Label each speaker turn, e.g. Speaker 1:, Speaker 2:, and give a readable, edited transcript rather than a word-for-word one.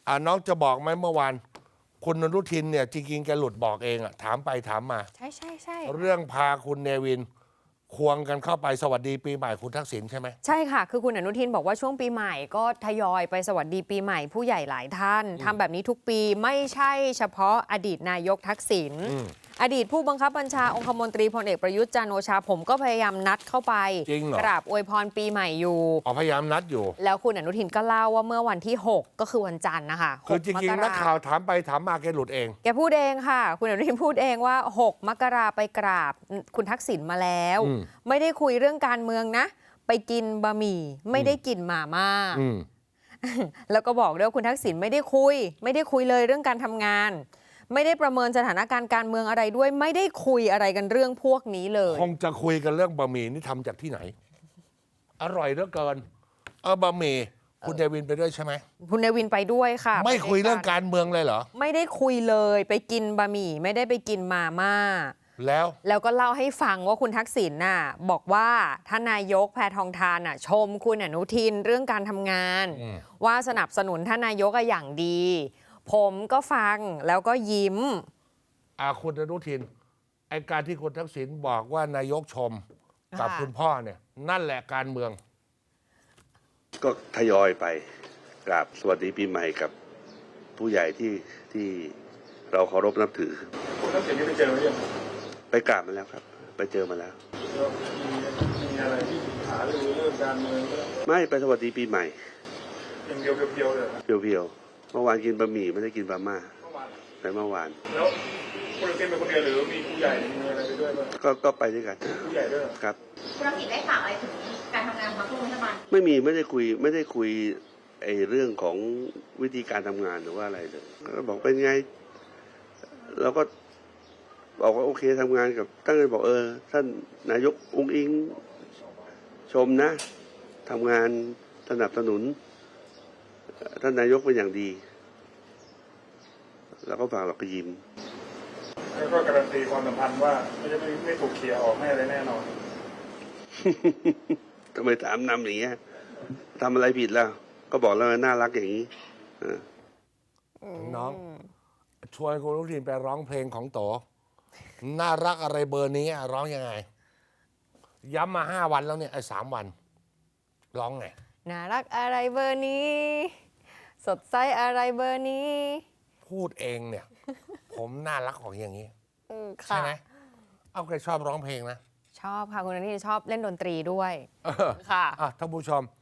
Speaker 1: น้องจะบอกไหมเมื่อวานคุณอนุทินเนี่ยจริงๆแกหลุดบอกเองอะถามไปถามมา
Speaker 2: ใช่
Speaker 1: เรื่องพาคุณเนวินควงกันเข้าไปสวัสดีปีใหม่คุณทักษิณใช่ไหม
Speaker 2: ใช่ค่ะคือคุณอนุทินบอกว่าช่วงปีใหม่ก็ทยอยไปสวัสดีปีใหม่ผู้ใหญ่หลายท่านทำแบบนี้ทุกปีไม่ใช่เฉพาะอดีตนายกทักษิณอดีตผู้บังคับบัญชาองคมนตรีพลเอกประยุทธ์จันทร์โอชาผมก็พยายามนัดเข้าไปกราบอวยพรปีใหม่อยู่
Speaker 1: พยายามนัดอยู่
Speaker 2: แล้วคุณอนุทินก็เล่าว่าเมื่อวันที่ 6 ก็คือวันจันทร์นะคะ
Speaker 1: คือจริงๆนักข่าวถามไปถามมาแกหลุดเอง
Speaker 2: แกพูดเองค่ะคุณอนุทินพูดเองว่า6 มกราไปกราบคุณทักษิณมาแล้วไม่ได้คุยเรื่องการเมืองนะไปกินบะหมี่ไม่ได้กินหม่าม่าแล้วก็บอกด้วยว่าคุณทักษิณไม่ได้คุยเลยเรื่องการทำงานไม่ได้ประเมินสถานการณ์การเมืองอะไรด้วยไม่ได้คุยอะไรกันเรื่องพวกนี้เลย
Speaker 1: คงจะคุยกันเรื่องบะหมี่นี่ทำจากที่ไหนอร่อยเหลือเกินบะหมี่คุณเนวินไปด้วยใช่ไหม
Speaker 2: คุณเนวินไปด้วยค่ะ
Speaker 1: ไม่คุยเรื่องการเมืองเลยเหรอ
Speaker 2: ไม่ได้คุยเลยไปกินบะหมี่ไม่ได้ไปกินมาม่าแล้วก็เล่าให้ฟังว่าคุณทักษิณน่ะบอกว่าท่านนายกแพทองธารน่ะชมคุณอนุทินเรื่องการทำงานว่าสนับสนุนท่านนายกอย่างดีผมก็ฟังแล้วก็ยิ้ม
Speaker 1: คุณอนุทินไอการที่คุณทักษิณบอกว่านายกชมกับคุณพ่อเนี่ยนั่นแหละการเมือง
Speaker 3: ก็ทยอยไปกราบสวัสดีปีใหม่กับผู้ใหญ่ที่เราเคารพนับถือ
Speaker 4: คุณทักษิณนี่ไปเจอหรือยัง
Speaker 3: ไปกราบมาแล้วครับไปเจอมาแล้ว
Speaker 4: มีอะไรที่หาเรื่องการเมือง
Speaker 3: ไม่ไปสวัสดีปีใหม่
Speaker 4: อย่างเพียวๆเลย
Speaker 3: เพียวๆเมื่อวานกินบะหมี่ไม่ได้กินบะม่าไปเมื่อวาน
Speaker 4: แล้วคุณทักษิณเป็นคนเดียวหรือมีผู้ใหญ่มีอะไรไปด้วยบ้าง
Speaker 3: ก็ไปด้วยกัน
Speaker 4: ผู้ใหญ่ด้วย
Speaker 3: ครับ
Speaker 5: คุณทักษิณได้ฝากอะไรถึงการทำงานของพรรคร่วมรัฐบาล
Speaker 3: ไม่ได้คุยไอ้เรื่องของวิธีการทำงานหรือว่าอะไรเลยก็บอกเป็นไงเราก็บอกว่าโอเคทำงานกับตั้งใจบอกท่านนายกอุ๊งอิงชมนะทำงานสนับสนุนท่านนายกเป็นอย่างดีแล้วก็ฝากเราก็ยิ้ม
Speaker 4: แล้วก็การันตีความสัมพันธ์ว่าไม่ถูกเขี่ยออกไม่อะไรแน่นอน
Speaker 3: ทำไมถามนำอย่างเงี้ยทำอะไรผิดแล้วก็บอกแล้วน่ารักอย่างนี้
Speaker 1: น้องชวนคุณอนุทินไปร้องเพลงของโตน่ารักอะไรเบอร์นี้ร้องยังไงย้ำมา5 วันแล้วเนี่ย3 วันร้องไง
Speaker 2: น่ารักอะไรเบอร์นี้สดใสอะไรเบอร์นี้
Speaker 1: พูดเองเนี่ยผมน่ารักของอย่างนี้ใช่ไหมเอาใครชอบร้องเพลงนะ
Speaker 2: ชอบค่ะคุณอนุทินชอบเล่นดนตรีด้วยค่ะ
Speaker 1: ท่านผู้ชม